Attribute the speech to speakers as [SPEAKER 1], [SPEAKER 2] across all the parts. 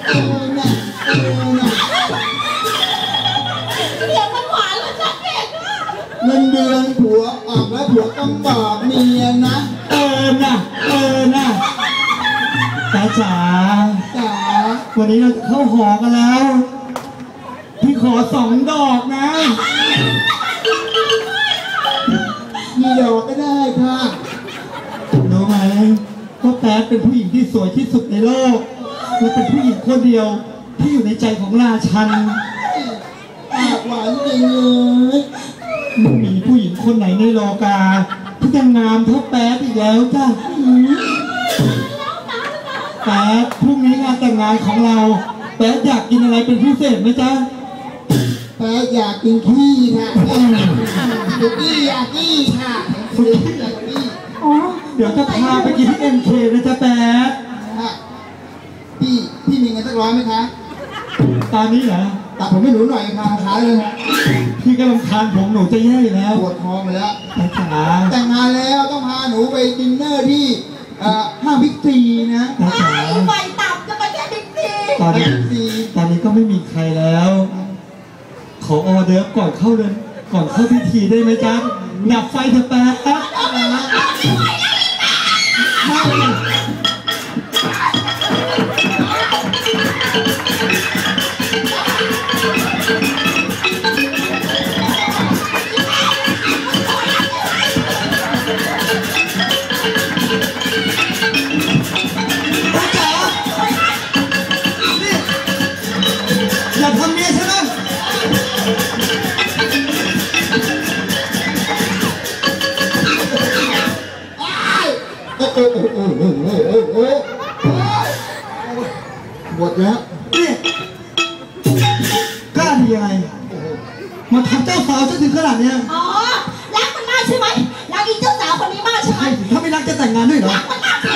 [SPEAKER 1] น่ะ
[SPEAKER 2] เสียงมันหวานแล้วจัดเด็ก
[SPEAKER 1] เงินเดือนผัวออกแล้วผัวต้องบอกเมียนะ
[SPEAKER 3] นะตาจ๋าวันนี้เราจะเข้าหอกันแล้วพี่ขอ2 ดอกนะ
[SPEAKER 1] กี่ดอกก็ได้ค่ะ
[SPEAKER 3] รู้ไหมว่าแป๊ดเป็นผู้หญิงที่สวยที่สุดในโลกและเป็นผู้หญิงคนเดียวที่อยู่ในใจของราชัน
[SPEAKER 1] ปากหวานจริงเลย
[SPEAKER 3] ไม่มีผู้หญิงคนไหนในโลกาที่จะงามเท่าแป๊ดอีกแล้วจ้ะแป๊ดพรุ่งนี้งานแต่งงานของเราแป๊ดอยากกินอะไรเป็นพิเศษไหมจ๊ะ
[SPEAKER 1] แป๊ดอยากกินขี้ค่ะสุกี้อยากขี้ค่ะสุกี้อยากขี้
[SPEAKER 3] เดี๋ยวจะพาไปกินที่MKนะจ๊ะแป๊ด
[SPEAKER 1] พี่มีเงินสัก100ไหมคะ
[SPEAKER 3] ตอนนี้เหรอ
[SPEAKER 1] ตัดผมให้หนูหน่อยค่ะขาเลย
[SPEAKER 3] พี่กำลังทานผมหนูจะแย่อยู่แล้ว
[SPEAKER 1] ปวดท้องไปแล้ว
[SPEAKER 3] แต่
[SPEAKER 1] งงานแล้วต้องพาหนูไปดินเนอร์ที่ห้างบิ๊กซีนะ
[SPEAKER 2] ไปตับจะไปแค่บิ๊กซี
[SPEAKER 3] ตอนนี้ก็ไม่มีใครแล้วขอออเดอร์ก่อนเข้าเลยก่อนเข้าพิธีได้ไหมจ๊ะดับไฟเถอะแป๊ะ
[SPEAKER 1] หมดแล้ว
[SPEAKER 3] นี่กล้าดียังไงมาทำเจ้าสาวจนถึงขนาดนี้
[SPEAKER 2] อ๋อรักมันมากใช่ไหมรักอีเจ้าสาวคนนี้มากใช่ไหม
[SPEAKER 3] ถ้าไม่รักจะแต่งงานด้วยเหรอ
[SPEAKER 2] รักมันมาก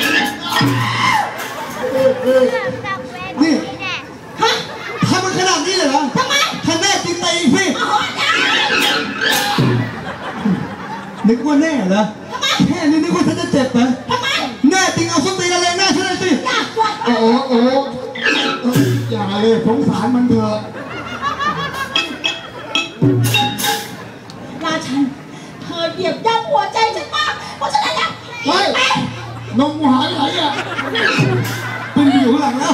[SPEAKER 3] นี่ฮะทำมันขนาดนี้เลยเหรอ
[SPEAKER 2] ทำไม
[SPEAKER 3] ถ้าแน่จริงตีพี่นึกว่าแน่เหรอแค่นี้นึกว่าฉันจะเจ็บเหรอแน่จริงเอาส้นตีนอะไรแน่ฉันเลยสิ
[SPEAKER 1] โอ้อย่าเลยสงสารมันเถอะ
[SPEAKER 2] ราชันเธอเหยียบย่ำหัวใจฉันมากเพราะฉะนั้นแล้ว
[SPEAKER 1] เฮ้ยนมหายไหนอ่ะ
[SPEAKER 3] เป็นอยู่ข้างหลังแล้ว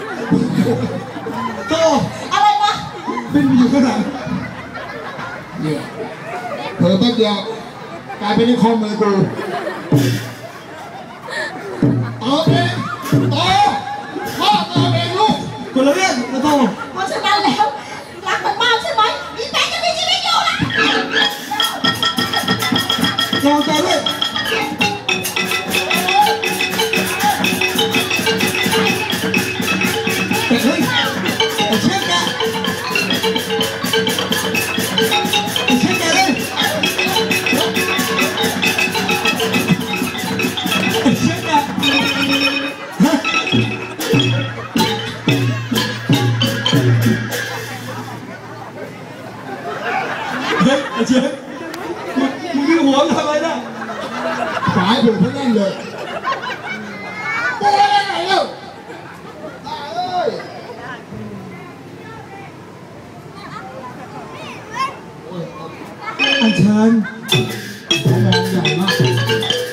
[SPEAKER 3] โต
[SPEAKER 2] อะไรวะ
[SPEAKER 3] เป็นอยู่ข้างหลัง
[SPEAKER 1] เนี่ยเผลอแป๊บเดียวกลายเป็นในคอมมือกูพ่อตัวเองลูก
[SPEAKER 3] คนละเรื่องนะโต
[SPEAKER 2] เพราะฉะนั้นแล้วรักมันมากใช่ไหมอีแป๊ะจะมีชีวิตอยู่นะ
[SPEAKER 3] ลองใจด้วยเฮ้ยเช็คแกเลยเช็คแกเจ๊มึงมีหัวทำไมนะ
[SPEAKER 1] สายผมเขาแน่นเลยโอ้ยไหนเล่า
[SPEAKER 3] อันเชิญ
[SPEAKER 1] มองใหญ่มาก